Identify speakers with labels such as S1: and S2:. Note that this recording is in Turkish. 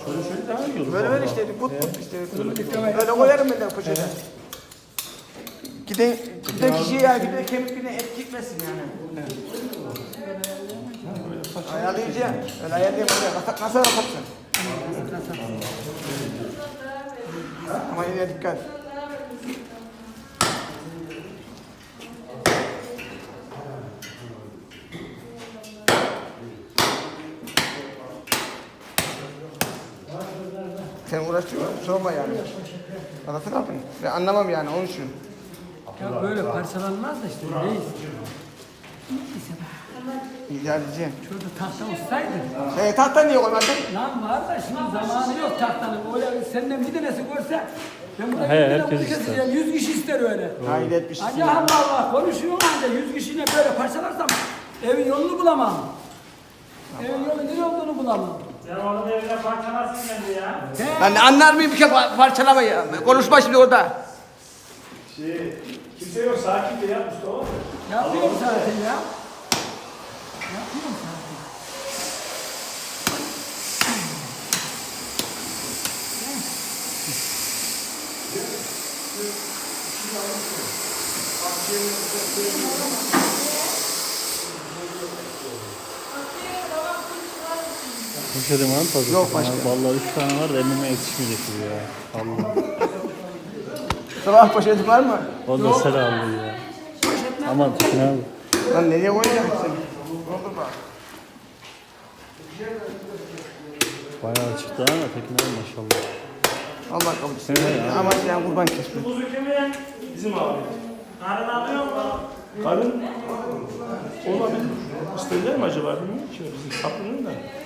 S1: Şöyle daha iyi olur.
S2: Böyle işte put işte. Böyle koyarım ben de poşete. Giden kişiye ya giden kemikine et gitmesin yani. Ayarlayacağım. Öyle ayarlayayım. Nasıl yapacaksın? Ama yine dikkat. Sen uğraşıyorsun, sorma yani. Anlatın abi. Ben anlamam yani, onun için.
S3: Ya böyle parçalanmaz da işte reis.
S2: İdare edeceğim.
S3: Şurada tahta olsaydı.
S2: Tahta niye koymadın?
S3: Lan var da şimdi zamanı yok tahtanın. Öyle senden bir tanesi görse ben burada
S1: herkes
S3: keseceğim. 100 kişi ister öyle.
S2: Hayır etmişsin.
S3: Hadi Allah Allah konuşuyor anca 100 kişiyle böyle parçalarsam evin yolunu bulamam. Evin yolu nereye olduğunu bulamam.
S4: Sen onun evine parçalasın kendi ya.
S2: Ben anlar mıyım ki parçalamayı? Konuşma şimdi orada.
S1: Kimse yok, sakin de yap Mustafa.
S3: Yapıyorum zaten ya. Yapıyorum zaten.
S1: Poşetim var mı fazla?
S2: Yok başka.
S1: Vallahi 3 tane var da emmime yetişmeyecek gibi ya. Allah.
S2: Sabah poşeti var mı?
S1: O da sera aldı ya. Aman ne abi?
S2: Lan nereye koyacaksın? Olur bak.
S1: Bayağı çıktı ama Tekin abi maşallah.
S2: Allah kabul etsin. Ama sen kurban kesme.
S4: Kuzu kimin?
S1: Bizim abi.
S4: Karın alıyor mu?
S1: Karın olabilir. İsterler mi acaba bilmiyorum ki. Bizim sapının da.